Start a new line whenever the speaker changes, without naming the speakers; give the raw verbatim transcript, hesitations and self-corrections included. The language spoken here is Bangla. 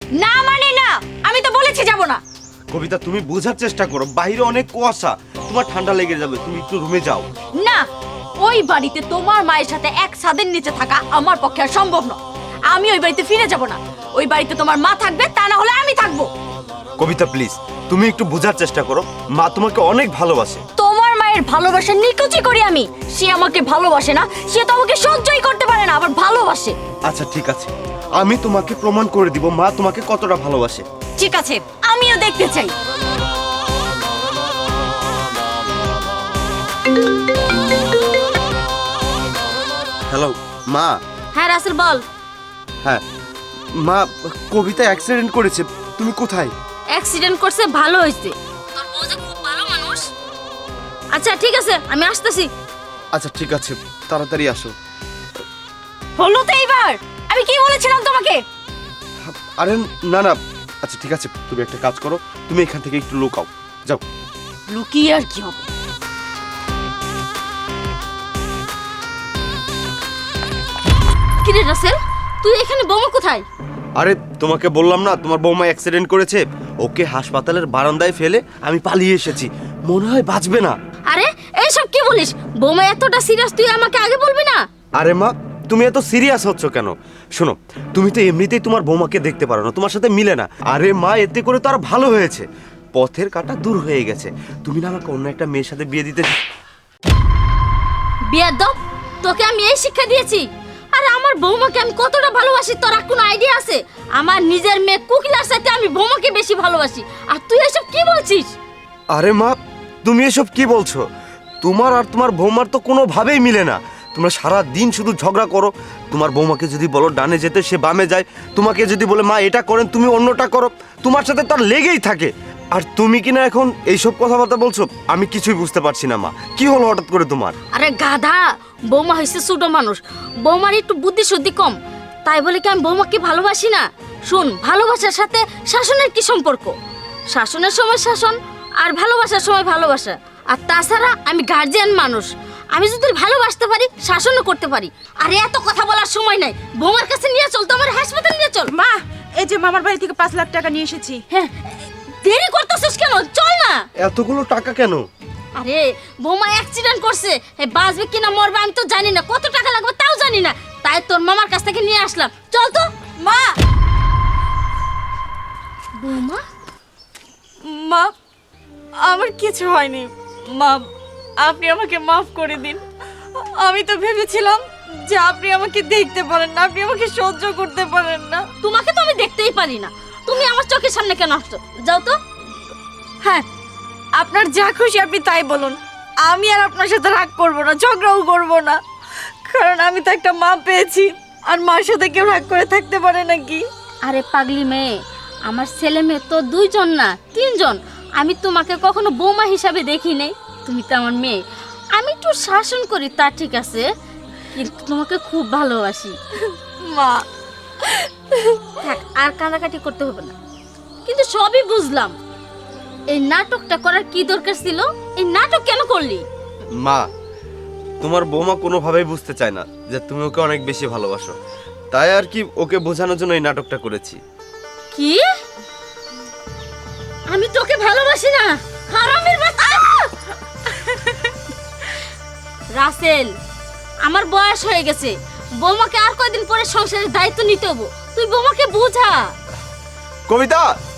না মানে না, আমি তো বলেছি যাব না।
কবিতা তুমি বোঝার চেষ্টা করো, বাইরে অনেক কুয়াশা, তোমার ঠান্ডা লেগে যাবে, তুমি একটু রুমে যাও।
না, ওই বাড়িতে তোমার মায়ের সাথে এক ছাদের নিচে থাকা আমার পক্ষে আর সম্ভব নয়। আমি ওই বাড়িতে ফিরে যাব না। ওই বাড়িতে তোমার মা থাকবে, তা না হলে আমি থাকবো।
কবিতা প্লিজ, তুমি একটু বোঝার চেষ্টা করো, মা তোমাকে অনেক ভালোবাসে।
তোমার মায়ের ভালোবাসা নিকুচি করি আমি। সে আমাকে ভালোবাসে না, সে তো আমাকে সহ্যই করতে পারে না, আবার ভালোবাসে।
আচ্ছা ঠিক আছে, আমি তোমাকে প্রমাণ করে দিব মা তোমাকে কতটা ভালোবাসে।
ঠিক আছে, আমিও দেখতে চাই।
হ্যালো মা।
হ্যাঁ রাসেল বল।
হ্যাঁ মা, কবিতা অ্যাক্সিডেন্ট করেছে, তুমি কোথায়?
অ্যাক্সিডেন্ট করছে, ভালো হয়েছে। তোর বউ যে খুব ভালো মানুষ। আচ্ছা ঠিক আছে, আমি আসতেছি।
আচ্ছা ঠিক আছে, তাড়াতাড়ি আসো।
হলো তো এইবার, আমি কি বলেছিলাম তোমাকে?
আরে না না, আচ্ছা ঠিক আছে, তুমি একটা কাজ করো, তুমি এখান থেকে একটু লুকাও, যাও।
লুকিয়ে আর কি হবে? কি রে রাসেল, তুই এখানে বৌমা কোথায়?
আরে তোমাকে বললাম না তোমার বৌমা অ্যাক্সিডেন্ট করেছে, ওকে হাসপাতালের বারান্দায় ফেলে আমি পালিয়ে এসেছি, মনে হয় বাঁচবে না।
আরে এইসব কি বলিস? বৌমা এতটা সিরিয়াস, তুই আমাকে আগে বলবি না?
আরে মা, তুমি এত সিরিয়াস হচ্ছ কেন? শোনো, তুমি তো এমনিতেই তোমার বৌমাকে দেখতে পারো না, তোমার সাথে মিলে না। আরে মা, এতে করে তো আর ভালো হয়েছে, পথের কাঁটা দূর হয়ে গেছে। তুমি না আমাকে অন্য একটা মেয়ের সাথে বিয়ে দিতে।
বেয়াদব, তোকে আমি এই শিক্ষা দিয়েছি? আরে আমার বৌমাকে আমি কতটা ভালোবাসি তোর আর কোনো আইডিয়া আছে? আমার নিজের মেয়ে কুকিলার সাথে আমি বৌমাকে বেশি ভালোবাসি, আর তুই এসব কি বলছিস?
আরে মা, তুমি এসব কি বলছো? তোমার আর তোমার বৌমার তো কোনোভাবেই মিলে না। তোমরা সারা দিন শুধু ঝগড়া করো। তোমার বৌমাকে যদি বলো ডানে যেতে, সে বামে যায়। তোমাকে যদি বলে মা এটা করেন, তুমি অন্যটা করো। তোমার সাথে তার লেগেই থাকে। আর তুমি কিনা এখন এইসব কথাবার্তা বলছো, আমি কিছুই বুঝতে পারছি না মা, কি হলো হঠাৎ করে তোমার?
আরে গাধা, বৌমা হয়েছে ছোট মানুষ, বৌমার একটু বুদ্ধি শুদ্ধি কম, তাই বলে কি আমি বৌমাকে ভালোবাসি না? শোন, ভালোবাসার সাথে শাসনের কি সম্পর্ক? শাসনের সময় শাসন, আর ভালোবাসার সময় ভালোবাসা। আর তাছাড়া আমি গার্জিয়ান মানুষ, আমি যদি ভালোবাসতে পারি শাসনও করতে পারি। আরে এত কথা বলার সময় নাই, বৌমার কাছে নিয়ে চল, তো আমার হাসপাতালে নিয়ে চল।
মা, এই যে মামার বাড়ি থেকে পাঁচ লাখ টাকা নিয়ে এসেছি।
হ্যাঁ, দেরি করতেছিস কেন? চল না।
এতগুলো টাকা কেন?
আরে বৌমা অ্যাক্সিডেন্ট করছে, এ বাঁচবে কিনা মরবে আমি তো জানি না, কত টাকা লাগবে তাও জানি না, তাই তোর মামার কাছ থেকে নিয়ে আসলাম। চল তো। মা, বৌমা,
মা, আমার কিছু হয়নি। মা, আপনি আমাকে মাফ করে দিন। আমি তো ভেবেছিলাম যে আপনি আমাকে দেখতে পারেন না, আপনি আমাকে সহ্য করতে পারেন না।
তোমাকে তো আমি দেখতেই পারি না, তুমি আমার চোখের সামনে কেন আসছো? যাও তো।
হ্যাঁ, আপনার যা খুশি আপনি তাই বলুন, আমি আর আপনার সাথে রাগ করবো না, ঝগড়াও করবো না, কারণ আমি তো একটা মা পেয়েছি, আর মার সাথে কেউ রাগ করে থাকতে পারে নাকি?
আরে পাগলি মেয়ে, আমার ছেলে মেয়ে তো দুইজন না তিনজন, আমি তোমাকে কখনো বৌমা হিসাবে দেখি নাই। তুমি তো আমার মেয়ে, আমি একটু শাসন করি তা ঠিক আছে, কিন্তু তোমাকে খুব ভালোবাসি।
মা,
থাক, আর কাঁদাকাটি করতে হবে না। কিন্তু সবই বুঝলাম, এই নাটকটা করার কি দরকার ছিল? এই নাটক কেন করলি?
মা, তোমার বৌমা কোনোভাবেই বুঝতে চায় না যে তুমি ওকে অনেক বেশি ভালোবাসো, তাই আর কি ওকে বোঝানোর জন্য এই নাটকটা করেছি।
কি? আমি তোকে ভালোবাসি না, হারামের বাচ্চা! রাসেল, আমার বয়স হয়ে গেছে, বৌমাকে আর কয়দিন পরে সংসারের দায়িত্ব নিতে হবো, তুই বৌমাকে বোঝা।
কবিতা,